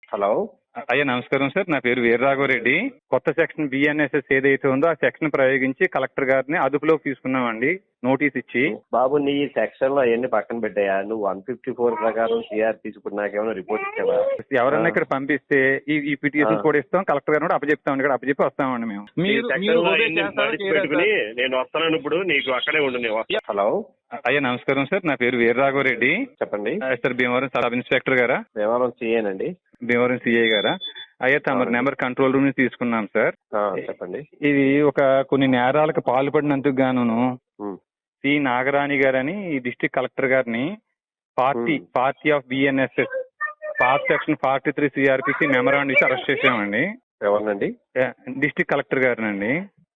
Hello. అయ్యా నమస్కారం sir, నా పేరు వీరరాఘవరెడ్డి. కొత్త సెక్షన్ బిఎన్ఎస్ఎస్ ఏదైతే ఉందో ఆ సెక్షన్ ప్రయోగించి కలెక్టర్ గారిని అదుపులోకి తీసుకున్నామండి, నోటీస్ ఇచ్చి. బాబు, నీ సెక్షన్ లో అవన్నీ పక్కన పెట్టాయా? నువ్వు 154 ప్రకారం సిఆర్పీసీ ఇప్పుడు నాకేమైనా రిపోర్ట్ ఇచ్చావా? ఎవరన్నా ఇక్కడ పంపిస్తే ఈ పిటిషన్ కూడా ఇస్తాం, కలెక్టర్ గారిని కూడా అప్పచెప్తాం, ఇక్కడ అప్పచెప్పి వస్తామండి మేము. పెట్టుకుని నేను వస్తాను, ఇప్పుడు నీకు అక్కడే ఉండు. హలో. అయ్యా నమస్కారం సార్, నా పేరు వీరరాఘవరెడ్డి. చెప్పండి సార్, భీమవరం సబ్ ఇన్స్పెక్టర్ గారా? భీమవరం సిఏనండి. భీమవరం సిఐ గారా? అయ్యా తమ నెంబర్ కంట్రోల్ రూమ్ నుంచి తీసుకున్నాం సార్. చెప్పండి. ఇది కొన్ని నేరాలకు పాల్పడినందుకు గాను సి నాగరాణి గారని ఈ డిస్ట్రిక్ట్ కలెక్టర్ గారిని party of BNSS part section 43 CRPC memorandum ఇచ్చి అరెస్ట్ చేసామండి. ఎవరినండి? డిస్ట్రిక్ట్ కలెక్టర్ గారినండి.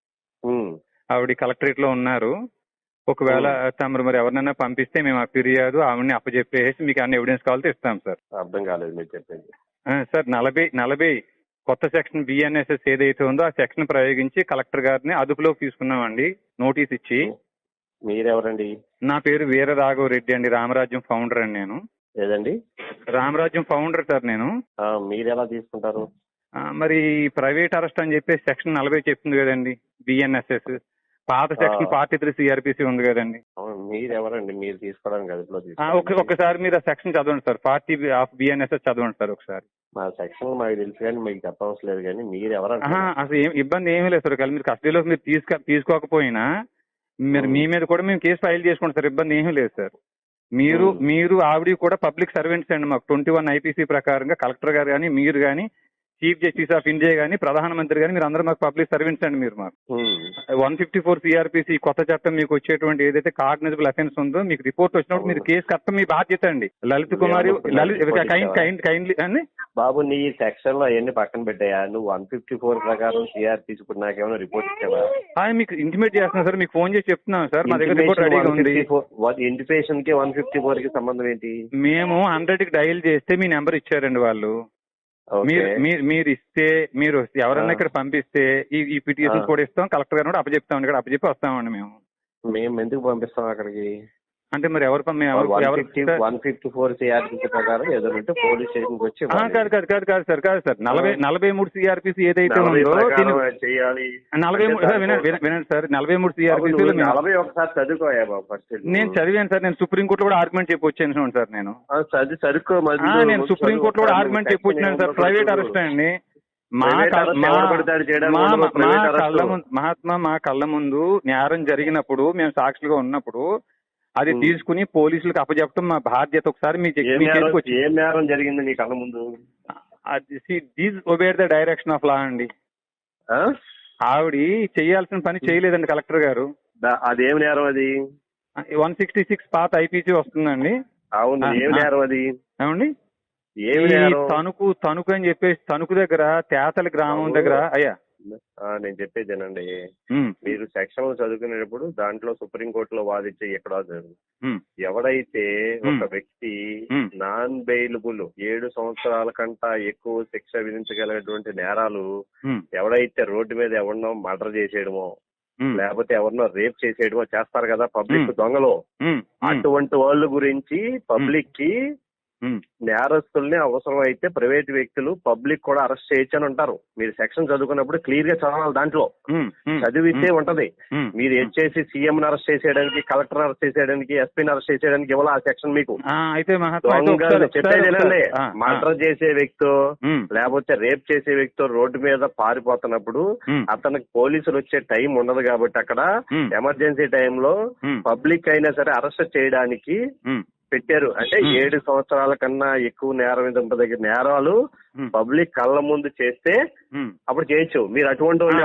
ఆవిడ కలెక్టరేట్ లో ఉన్నారు. ఒకవేళ తమరు మరి ఎవరినైనా పంపిస్తే మేము ఆ ఫిర్యాదు ఆవిడని అప్పచెప్పేసి మీకు అన్ని ఎవిడెన్స్ కావాలంటే ఇస్తాం సార్. అర్థం కాలేదు మీరు చెప్పేది. సార్, 40 కొత్త సెక్షన్ బిఎన్ఎస్ఎస్ ఏదైతే ఉందో ఆ సెక్షన్ ప్రయోగించి కలెక్టర్ గారిని అదుపులోకి తీసుకున్నామండి, నోటీస్ ఇచ్చి. మీరెవరండి? నా పేరు వీరరాఘవరెడ్డి అండి, రామరాజ్యం ఫౌండర్ అండి నేను. ఏదండి? రామరాజ్యం ఫౌండర్ సార్ నేను. మీరు ఎలా తీసుకుంటారు? మరి ప్రైవేట్ అరెస్ట్ అని చెప్పేసి సెక్షన్ 40 చెప్తుంది కదండి బిఎన్ఎస్ఎస్. పాత సెక్షన్ 43 సిఆర్పిసి ఉంది కదండి. మీరెవరండి మీరు తీసుకోవడానికి అదుపులో? ఒకసారి మీరు ఆ సెక్షన్ చదవండి సార్, పార్టీ ఆఫ్ బిఎన్ఎస్ఎస్ చదవండి సార్ ఒకసారి. మా సెక్షన్ మాకు తెలుసు కానీ మీకు చెప్పవలసిన లేదు. కానీ మీరు ఎవరంటే అసలు ఇబ్బంది ఏమీ లేదు సార్. మీరు కస్టడీలోకి మీరు తీసుకోకపోయినా మీ మీద కూడా మేము కేసు ఫైల్ చేసుకుంటాం సార్, ఇబ్బంది ఏమీ లేదు సార్. మీరు ఆవిడ కూడా పబ్లిక్ సర్వెంట్స్ అండి. మాకు 21 ఐపీసీ ప్రకారంగా కలెక్టర్ గారు కానీ మీరు కానీ చీఫ్ జస్టిస్ ఆఫ్ ఇండియా కానీ ప్రధానమంత్రి కానీ మీరు అందరూ మాకు పబ్లిక్ సర్వెంట్స్ అండి. మీరు మాకు 154 సిఆర్పిసి కొత్త చట్టం మీకు వచ్చేటువంటి ఏదైతే కాగ్నిజబుల్ అఫెన్స్ ఉందో మీకు రిపోర్ట్ వచ్చినప్పుడు మీరు కేసు కట్టడం మీ బాధ్యత అండి. లలిత్ కుమారి కైండ్లీ అండి. బాబు, నీ సెక్షన్ లో అవన్నీ పక్కన పెట్టాయా? నువ్వు 154 ప్రకారం సిఆర్పిసి ఇప్పుడు నాకేమైనా రిపోర్ట్ ఇచ్చావా? మీకు ఇంటిమేట్ చేస్తున్నాం సార్, మీకు ఫోన్ చేసి చెప్తున్నాం సార్, మా దగ్గర రిపోర్ట్ రెడీగా ఉంది. ఇంటిమేషన్ కి 154 కి సంబంధం ఏంటి? మేము 100 కి డయల్ చేస్తే మీ నెంబర్ ఇచ్చారండి వాళ్ళు. మీరు ఇస్తే మీరు ఎవరన్నా ఇక్కడ పంపిస్తే ఈ పిటిషన్ కూడా ఇస్తాం, కలెక్టర్ గారిని కూడా అప్పచెప్తాం, ఇక్కడ అప్పచెప్పి వస్తామండి మేము. మేము ఎందుకు పంపిస్తాం అక్కడికి? అంటే మరి ఎవరు 154 సిఆర్పిసి ప్రకారం ఏదో పోలీస్ స్టేషన్ వచ్చి కాదు సార్ 43 సిఆర్పిసి ఏదైతే ఉందో చేయాలి. 43 వినండి సార్, 43 సిఆర్పిసి 40 ఒకసారి చదువుకోయా బాబు ఫస్ట్. నేను చదివాను సార్, నేను సుప్రీంకోర్టులో కూడా ఆర్గ్యుమెంట్ చెప్పి వచ్చాను సార్. నేను నేను సుప్రీంకోర్టులో కూడా ఆర్గ్యుమెంట్ చెప్పి వచ్చినాను సార్. ప్రైవేట్ అరెస్ట్ అండి. మా కళ్ళ ముందు నేరం జరిగినప్పుడు మేము సాక్షులుగా ఉన్నప్పుడు అది తీసుకుని పోలీసులకు అప్పచెప్పడం మా బాధ్యత. ఒకసారి ఏం నేరం జరిగింది నీ కళ్ళ ముందు? Obeyed the direction of law అండి. ఆవిడ చేయాల్సిన పని చేయలేదండి కలెక్టర్ గారు. అదేం నేరం? అది 166 పాత ఐపీసీ వస్తుందండి. అవును, ఏం నేరం అది? ఏమండి, తణుకు అని చెప్పేసి తణుకు దగ్గర తేతల గ్రామం దగ్గర. అయ్యా నేను చెప్పేదేనండి, మీరు సెక్షన్ లో చదువుకునేటప్పుడు దాంట్లో సుప్రీంకోర్టులో వాదించే ఎక్కడ ఎవడైతే ఒక వ్యక్తి నాన్ బెయిలబుల్ 7 సంవత్సరాల కంటా ఎక్కువ శిక్ష విధించగలిగినటువంటి నేరాలు ఎవడైతే రోడ్డు మీద ఎవరినో మర్డర్ చేసేయడమో లేకపోతే ఎవరినో రేప్ చేసేయడమో చేస్తారు కదా పబ్లిక్ దొంగలు, అటువంటి వాళ్ళ గురించి పబ్లిక్ కి నేరస్తుల్ని అవసరం అయితే ప్రైవేట్ వ్యక్తులు పబ్లిక్ కూడా అరెస్ట్ చేయొచ్చు అని ఉంటారు. మీరు సెక్షన్ చదువుకున్నప్పుడు క్లియర్ గా చదవాలి. దాంట్లో చదివితే ఉంటది. మీరు వచ్చేసి సీఎం అరెస్ట్ చేసేయడానికి, కలెక్టర్ అరెస్ట్ చేసేయడానికి, ఎస్పీని అరెస్ట్ చేసేయడానికి ఇవ్వాలి ఆ సెక్షన్ మీకు. చెప్పేది మర్డర్ చేసే వ్యక్తి లేకపోతే రేప్ చేసే వ్యక్తి రోడ్డు మీద పారిపోతున్నప్పుడు అతనికి పోలీసులు వచ్చే టైం ఉండదు కాబట్టి అక్కడ ఎమర్జెన్సీ టైంలో పబ్లిక్ అయినా సరే అరెస్ట్ చేయడానికి పెట్టారు. అంటే 7 సంవత్సరాల కన్నా ఎక్కువ నేరం మీద దగ్గర నేరాలు పబ్లిక్ కళ్ళ ముందు చేస్తే అప్పుడు చేయొచ్చు. మీరు అటువంటి వాళ్ళు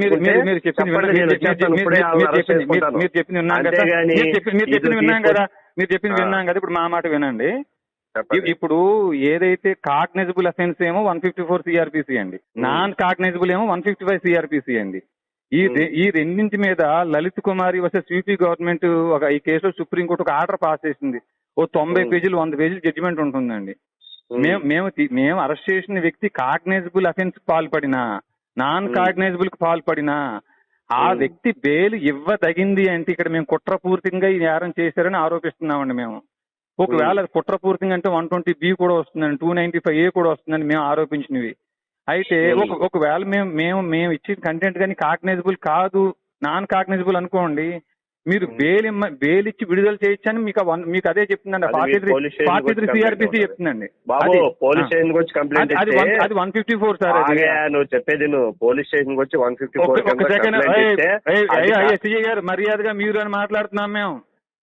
మీరు చెప్పింది విన్నాం కదా. ఇప్పుడు మా మాట వినండి. ఇప్పుడు ఏదైతే కాగ్నిజబుల్ అఫెన్స్ ఏమో 154 సిఆర్పిసి అండి, నాన్ కాగ్నిజబుల్ ఏమో 155 సిఆర్పిసి అండి. ఈ రెండింటి మీద Lalit Kumari versus UP government ఈ కేసులో సుప్రీంకోర్టు ఒక ఆర్డర్ పాస్ చేసింది. 90 పేజీలు 100 పేజీలు జడ్జిమెంట్ ఉంటుందండి. మేము అరెస్ట్ చేసిన వ్యక్తి కాగ్నైజబుల్ అఫెన్స్ పాల్పడినా నాన్ కాగ్నైజబుల్ కు పాల్పడినా ఆ వ్యక్తి బెయిల్ ఇవ్వదగింది అంటే ఇక్కడ మేము కుట్రపూర్తిగా ఈ నేరం చేశారని ఆరోపిస్తున్నామండి మేము. ఒకవేళ అది కుట్రపూర్తిగా అంటే 120B కూడా వస్తుందని 295A కూడా వస్తుందని మేము ఆరోపించినవి. అయితే ఒకవేళ మేము ఇచ్చిన కంటెంట్ కానీ కాగ్నైజబుల్ కాదు, నాన్ కాగ్నైజబుల్ అనుకోండి, మీరు బెయిల్ ఇచ్చి విడుదల చేయొచ్చని మీకు అదే చెప్తుందండి. 43 CRPC చెప్తుందండి. బాబు పోలీస్ స్టేషన్ వచ్చి కంప్లైంట్ అది 154 సార్. నువ్వు చెప్పేది నువ్వు పోలీస్ స్టేషన్ వచ్చి 154 ఎస్ఐ గారు మర్యాదగా మీరు అని మాట్లాడుతున్నాం మేము.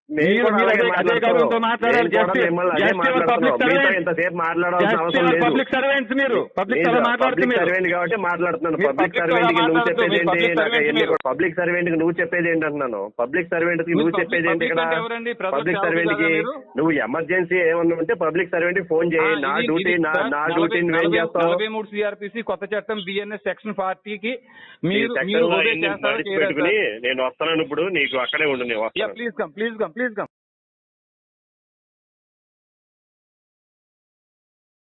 పబ్లిక్ సర్వెంట్స్ మీరు, పబ్లిక్ కాబట్టి మాట్లాడుతున్నాను. పబ్లిక్ సర్వెంట్ కి నువ్వు చెప్పేది ఏంటి? పబ్లిక్ సర్వెంట్ కి నువ్వు చెప్పేది ఏంటి అంటున్నాను. పబ్లిక్ సర్వెంట్ కి నువ్వు చెప్పేది ఏంటి ఇక్కడ? పబ్లిక్ సర్వెంట్ కి నువ్వు ఎమర్జెన్సీ ఏమన్నా ఉంటే పబ్లిక్ సర్వెంట్ కి ఫోన్ చేయి. నా డ్యూటీని ఏం చేస్తావు? 43 CRPC కొత్త చట్టం BNS సెక్షన్ 40 కి మీరు పెట్టుకుని నేను వస్తాను ఇప్పుడు, నీకు అక్కడే ఉండు. Please come.